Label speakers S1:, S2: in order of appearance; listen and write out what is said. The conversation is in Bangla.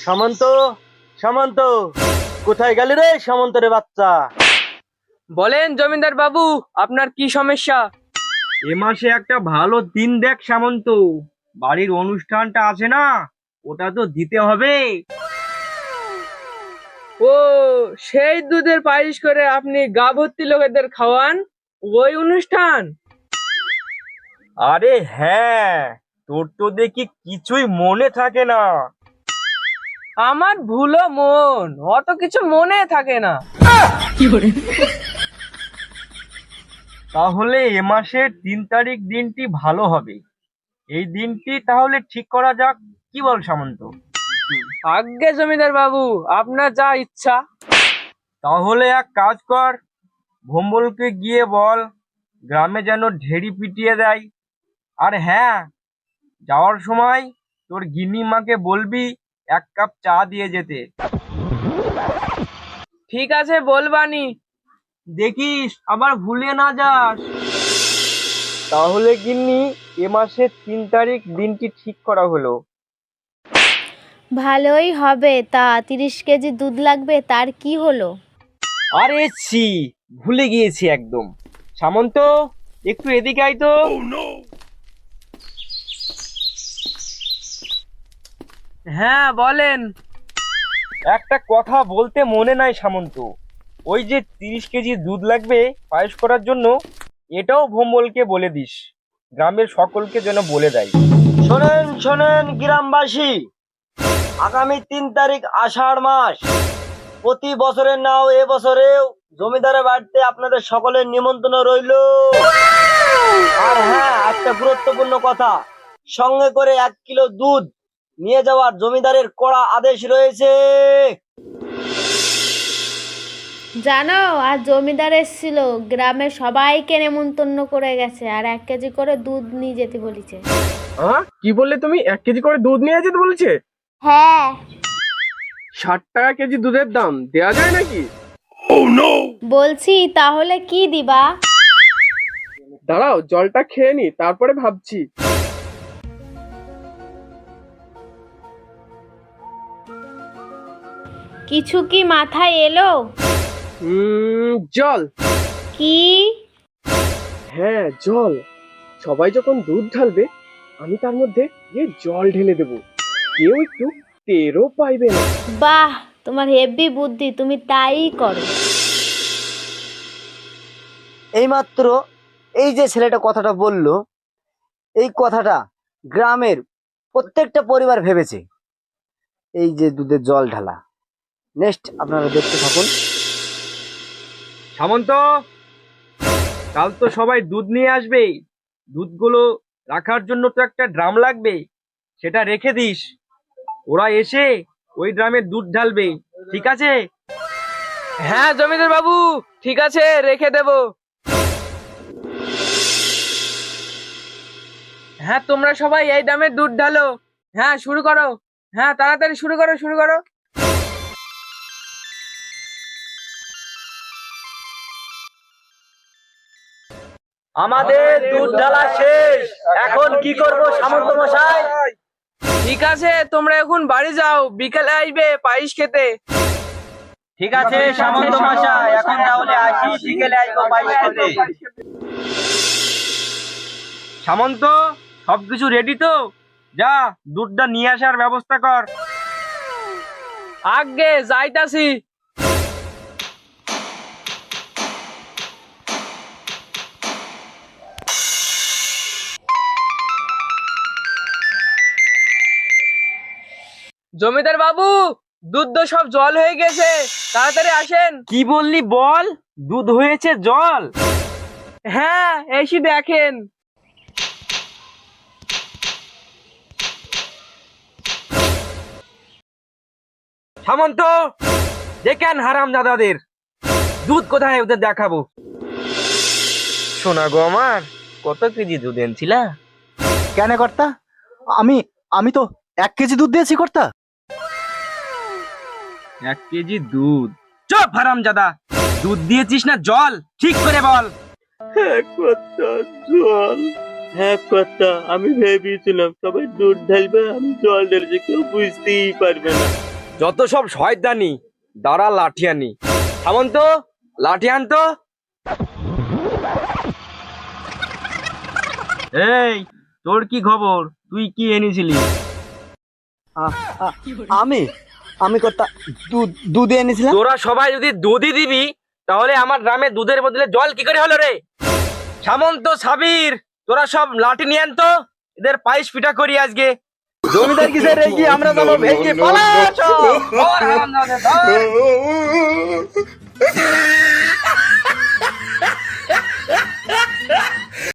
S1: সামন্ত, সামন্ত, কোথায় গেলি রে সামন্ত রে বাচ্চা?
S2: বলেন জমিদার বাবু, আপনার কি সমস্যা?
S3: এ মাসে একটা ভালো দিন দেখ সামন্ত, বাড়ির অনুষ্ঠানটা আছে না, ওটা তো দিতে হবে।
S2: ও, সেই দুধের পায়েস করে আপনি গা ভর্তি লোকেদের খাওয়ান, ওই অনুষ্ঠান?
S3: আরে হ্যাঁ, তোর তো দেখি কিছুই মনে থাকে না।
S2: আমার ভুলো মন, অত কিছু মনে থাকে না।
S3: তাহলে এ মাসের 3 তারিখ দিনটি ভালো হবে, এই দিনটি তাহলে ঠিক করা যাক, কি বল সামন্ত?
S2: আজ্ঞে জমিদার বাবু, আপনার যা ইচ্ছা।
S3: তাহলে এক কাজ কর, ভোম্বলকে গিয়ে বল গ্রামে যেন ঢেড়ি পিটিয়ে দেয়। আর হ্যাঁ, যাওয়ার সময় তোর গিন্নিমাকে বলবি 1 কাপ চা দিয়ে যেতে।
S2: ঠিক আছে, বলবানি।
S3: দেখিস আবার ভুলে না যাস। তাহলে গিন্নি, এ মাসের 3 তারিখ দিনটি ঠিক করা হলো।
S4: ভালোই হবে। তা 30 কেজি দুধ লাগবে, তার কি হলো?
S3: আরে ছি, ভুলে গিয়েছি একদম। সামন্ত, একটু এদিকে আয় তো।
S2: হ্যাঁ বলেন।
S3: একটা কথা বলতে মনে নাই সামন্ত, ওই যে 30 কেজি দুধ লাগবে পায়েস করার জন্য, এটাও ভোম্বলকে বলে দিস, গ্রামের সকলকে যেন বলে দেয়।
S1: শোনেন শোনেন গ্রামবাসী, আগামী 3 তারিখ আষাঢ় মাস, প্রতি বছরের নাও এবছরেও জমিদারের বাড়িতে আপনাদের সকলের নিমন্ত্রণ রইল। আর হ্যাঁ, একটা গুরুত্বপূর্ণ কথা, সঙ্গে করে 1 কিলো দুধ নিয়ে যাওয়ার জমিদারের কড়া আদেশ রয়েছে।
S4: জানো, আর জমিদার এসেছিল, গ্রামের সবাইকে নেমন্তন্ন করে গেছে, আর 1 কেজি করে দুধ নিয়ে যেতে বলেছে।
S2: কি বললে তুমি? 1 কেজি করে দুধ নিয়ে যেতে বলেছে?
S4: হ্যাঁ।
S2: 60 টাকা কেজি দুধের দাম, দেয়া যায় নাকি?
S4: বলছি, তাহলে কি দিবা?
S2: দাঁড়াও, জলটা খেয়ে নি, তারপরে ভাবছি।
S4: কিছু কি মাথায় এলো?
S2: জল।
S4: কি?
S2: হ্যাঁ, জল। সবাই যখন দুধ ঢালবে, আমি তার মধ্যে গিয়ে জল ঢেলে দেব, কেউ একটু টেরও পাইবে না।
S4: বাহ, তোমার হেভি বুদ্ধি, তুমি তাই করো।
S1: এইমাত্র এই যে ছেলেটা কথাটা বলল, এই কথাটা গ্রামের প্রত্যেকটা পরিবার ভেবেছে। এই যে দুধের জল ঢালা, নেক্সট আপনারা দেখতে থাকুন।
S3: সামন্ত, কাল তো সবাই দুধ নিয়ে আসবে, দুধগুলো রাখার জন্য তো একটা ড্রাম লাগবে, সেটা রেখে দিস। ওরা এসে ওই ড্রামে দুধ ঢালবে, ঠিক আছে?
S2: হ্যাঁ জমিদার বাবু, ঠিক আছে, রেখে দেব। হ্যাঁ, তোমরা সবাই এই দামে দুধ ঢালো। হ্যাঁ, শুরু করো। হ্যাঁ, তাড়াতাড়ি শুরু করো, শুরু করো।
S1: আমাদের দুধ ঢালা শেষ, এখন কি করব সামন্ত মশাই?
S2: ঠিক আছে, তোমরা এখন বাড়ি যাও, বিকেলে আসবে পায়েস খেতে।
S1: ঠিক আছে সামন্ত মশাই, এখন তাহলে আসি, বিকেলে আসবো পায়েস খেতে।
S3: সামন্ত, সবকিছু রেডি তো? যা, দুধটা নিয়ে আসার ব্যবস্থা কর।
S2: আগে যাইতাছি। জমিদার বাবু, দুধ তো সব জল হয়ে গেছে, তাড়াতাড়ি আসেন।
S3: কি বললি বল? দুধ হয়েছে জল?
S2: হ্যাঁ, এসে দেখেন।
S3: সামন্ত, দেখেন হারাম দাদাদের, দুধ কোথায় ওদের দেখাবো। শোনা গো আমার, কত কেজি দুধ এনেছিলা?
S1: কেন কর্তা? আমি আমি তো 1 কেজি দুধ দিয়েছি কর্তা।
S3: 1 কেজি দুধ? চুপ হারাম জাদা, দুধ দিয়েছিস না জল, ঠিক করে বল।
S5: হ্যাঁ কর্তা, আমি ভেবেছিলাম সবাই দুধ ঢালবে, আমি জল ঢেলেছি, কেউ বুঝতেই পারবে না।
S3: যত সব শয়তানি, দাঁড়া লাঠি আনি। সামন্ত, লাঠি আনতো। এই, তোর কি খবর? তুই কি এনেছিলি?
S1: আমি কর্তা দুধ এনেছিলাম।
S3: তোরা সবাই যদি দুধই দিবি, তাহলে আমার গ্রামে দুধের বদলে জল কি করে হলো রে? সামন্ত, সাবির, তোরা সব লাঠি নিয়ে আনতো, এদের পায়েস পিঠা করি আজকে। জমিদার কিসের রেগি, আমরা যাবো ভেঙে পালা।